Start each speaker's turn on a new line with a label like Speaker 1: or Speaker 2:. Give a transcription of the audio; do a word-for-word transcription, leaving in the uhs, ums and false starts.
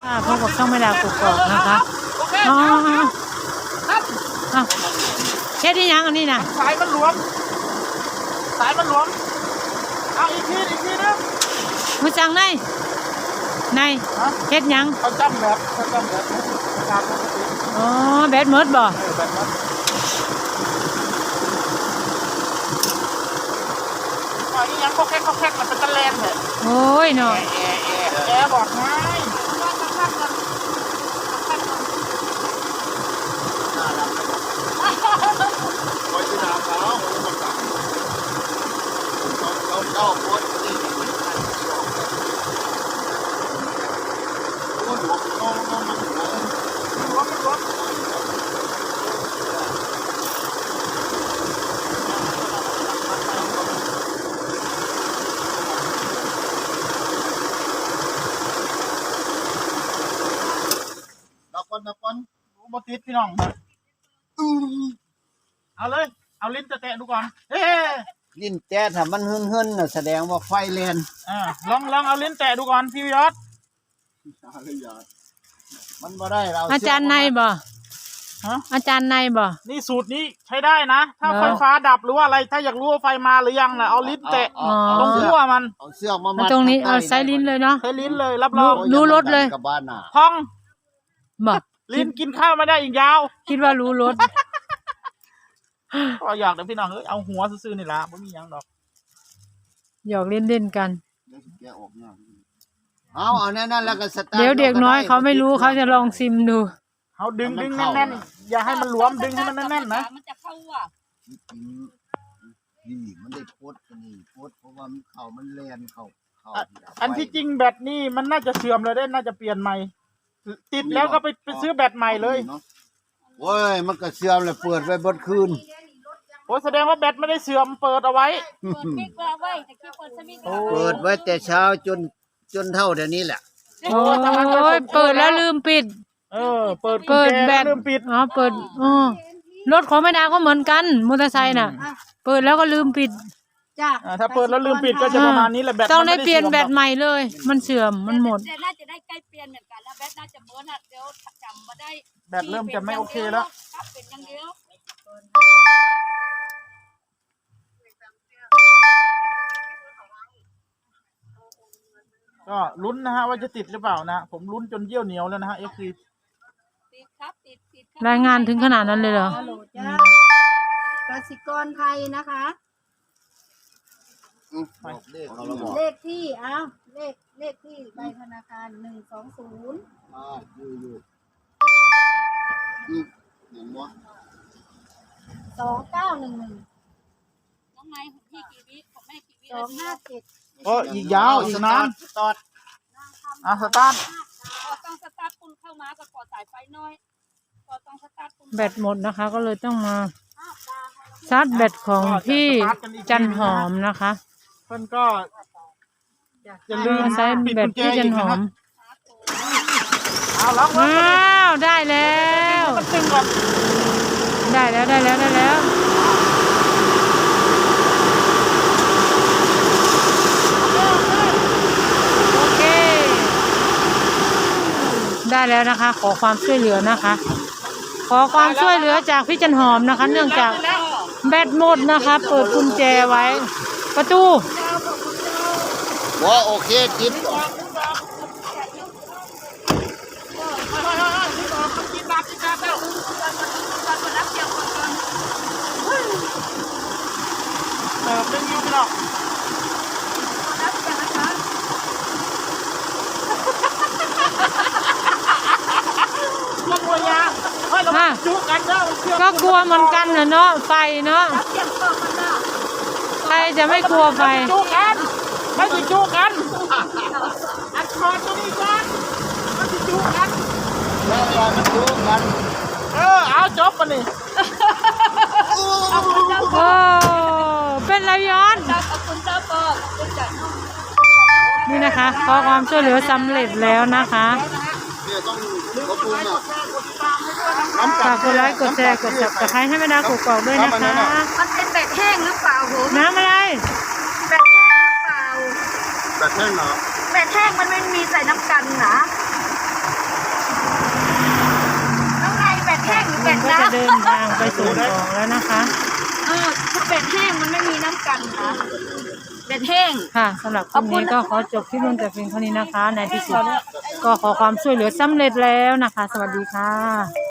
Speaker 1: พบกับช่องไม่ดาวกกอกนะคะอ๋ออ๋อเช็ดที่ยังอันนี้นะ
Speaker 2: สายมันหลวมสายมันหลวมเอาอีกทีอีกทีนึง
Speaker 1: มือจังในในเช็ดยัง
Speaker 2: เขาจำแบบเขาจำแบบตามปกติ
Speaker 1: อ๋อแบดเมิร์ดบ่
Speaker 2: แบบนั้นอ๋อนี่ยังเขาแค่เขาแค่มันเป็นตะแลนเลย
Speaker 1: โอ้ยเนาะ
Speaker 2: แอร์แอร์แอร์บอกง่ายคอยที่น้ำเขาเขาเจ้าโคตรนี่โอ้ยหลวมน้องน้องมันหลวมหลวมหลวมนับก่อนนับก่อนโมติดพี่น้องเอาเลยเอาลิ้นจะแตะดูก่อนเฮ้
Speaker 3: ลิ้นแตะถ้ามันหึ่นหึ่นน่ะแสดงว่าไฟแรง
Speaker 2: อ่าลองลองเอาลิ้นแตะดูก่อนพี่ยอด
Speaker 3: มันบ่ได้เรา
Speaker 1: อาจารย์ในบ่ฮะอาจารย์ในบ่
Speaker 2: นี่สูตรนี้ใช้ได้นะถ้าไฟฟ้าดับหรือว่าอะไรถ้าอยากรู้ว่าไฟมาหรือยังนะเอาลิ้นแตะตรงขั้วมัน
Speaker 3: เอาเสื้อมามัด
Speaker 1: ตรงนี้เอาใช้ลิ้นเลยเนาะ
Speaker 2: ใช้ลิ้นเลยรับรอง
Speaker 1: รู้รสเลย
Speaker 2: พอง
Speaker 1: บ่
Speaker 2: ลิ้นกินข้าวไม่ได้อีกยาว
Speaker 1: คิดว่ารู้รส
Speaker 2: ก็อยากเดี๋ยวพี่น้องเอ้ยเอาหัวซื่อๆนี่ละไม่มียังดอก
Speaker 1: หยอกเล่นเล่นกัน
Speaker 3: เอาเอาแน่นๆแล้วก็สตาร์ท
Speaker 1: เดี๋ยวเด็กน้อยเขาไม่รู้เขาจะลองซิมดู
Speaker 2: เขาดึงดึงแน่นๆอย่าให้มันหลวมดึงให้มันแน่นๆนะ
Speaker 4: มันจะเข้าอ่ะ
Speaker 3: นี่มันได้โพสกันนี่โพสเพราะว่ามันเข่ามันแลนเข่า
Speaker 2: อันที่จริงแบตนี่มันน่าจะเสื่อมเลยได้น่าจะเปลี่ยนใหม่ติดแล้วก็ไปไปซื้อแบตใหม่เลย
Speaker 3: โอ้ยมันก็เสื่อมเลยเปิดไว้บนคืน
Speaker 2: โอ้แสดงว่าแบตไม่ได้เสื่อมเปิดเอาไว้
Speaker 3: เปิดไว้แต่เช้าจนจนเท่าเดี๋ยวนี้แหละ
Speaker 1: โอ้ยเปิดแล้วลืมปิด
Speaker 2: เออเปิด
Speaker 1: เปิดแบต
Speaker 2: ลืมปิด
Speaker 1: อ๋อเปิดอ๋อรถของแม่ดาก็เหมือนกันมอเตอร์ไซค์น่ะเปิดแล้วก็ลืมปิด
Speaker 4: จ้ะ
Speaker 2: ถ้าเปิดแล้วลืมปิดก็จะประมาณนี้แหละแบต
Speaker 1: ต้องได้เปลี่ยนแบตใหม่เลยมันเสื่อมมันหมด
Speaker 4: น่าจะได้ใกล้เปลี่ยนเหมือนกันแล้วแบตน่าจะเบิร์นอ่ะเดี๋ยวจำมาได้
Speaker 2: แบตเริ่มจะไม่โอเคแล้ว
Speaker 4: เป็นอย่างเดียว
Speaker 2: ก็ลุ้นนะฮะว่าจะติดหรือเปล่านะผมลุ้นจนเยี่ยวเหนียวแล้วนะฮะเอฟซี
Speaker 1: รายงานถึงขนาดนั้นเลยเหร
Speaker 4: อกสิกรไทยนะคะเลขที่อ้าวเลขเลขที่ใบธนาคารหนึ่งสองศูนย์
Speaker 3: อ่าอยู่อยู่หนึ่งวะ
Speaker 4: สองเก้าหนึ่งหนึ่ง
Speaker 2: น้องไม้พี่กี่วิของแม่กี่วิสองห้าเจ็ดโอ้อีกยาวอีกนานสตาร์ทอ่ะสตาร์ท
Speaker 4: ต้องสตาร์ทปุ่นเข้ามากับกดสายไฟน้อยก็ต้องสตาร์ทปุ่น
Speaker 1: แบตหมดนะคะก็เลยต้องมาชาร์จแบตของพี่จันหอมนะคะ
Speaker 2: เพิ่นก็จะลืม
Speaker 1: ใช้แบตพี่จันหอม
Speaker 2: เอาแล้ว
Speaker 1: ว้าวได้แล้วได้แล้วได้แล้วได้แล้วโอเคได้แล้วนะคะขอความช่วยเหลือนะคะขอความช่วยเหลือจากพี่จันหอมนะคะเนื่องจากแบตหมดนะคะเปิดกุญแจไว้ประตู
Speaker 3: ว่าโอเคจิต
Speaker 2: เออเป็นยูหรอกก็กลัวยาเฮ้ยเราจุกกันเนาะ
Speaker 1: ก็กลัวเหมือนกันนะเนาะไฟเนาะใครจะไม่กลัวไฟ
Speaker 2: จุกกันไม่ติดจุกกันอัดคอตัวนี้ก่อนไม่ติดจุกกัน
Speaker 3: แล้วมันจุกกัน
Speaker 2: เออเอาจบกันนี่
Speaker 1: โอ้เป็นไรย้อนนี่นะคะขอความช่วยเหลือสำเร็จแล้วนะคะฝากกดไลค์กดแชร์กดซับสไครบ์ให้แม่ดาวกกอกด้วยนะคะ
Speaker 4: มันเป็นแบตแห้งหรือเปล่าผม
Speaker 1: น้ำอะไร
Speaker 4: แบตแห้งหรือเปล่า
Speaker 3: แบตแห้งเหรอ
Speaker 4: แบตแห้งมันไม่มีใส่น้ำกันนะ
Speaker 1: เดินทางไปส่งของแล้วนะคะ
Speaker 2: เออถ้าเป็ดแห้งมันไม่มีน้ำกันค่ะเป็ดแห้ง
Speaker 1: ค่ะสำหรับคลิปนี้ก็ขอจบคลิปลงแต่เพียงเท่านี้นะคะในที่สุดก็ขอความช่วยเหลือสำเร็จแล้วนะคะ สวัสดีค่ะ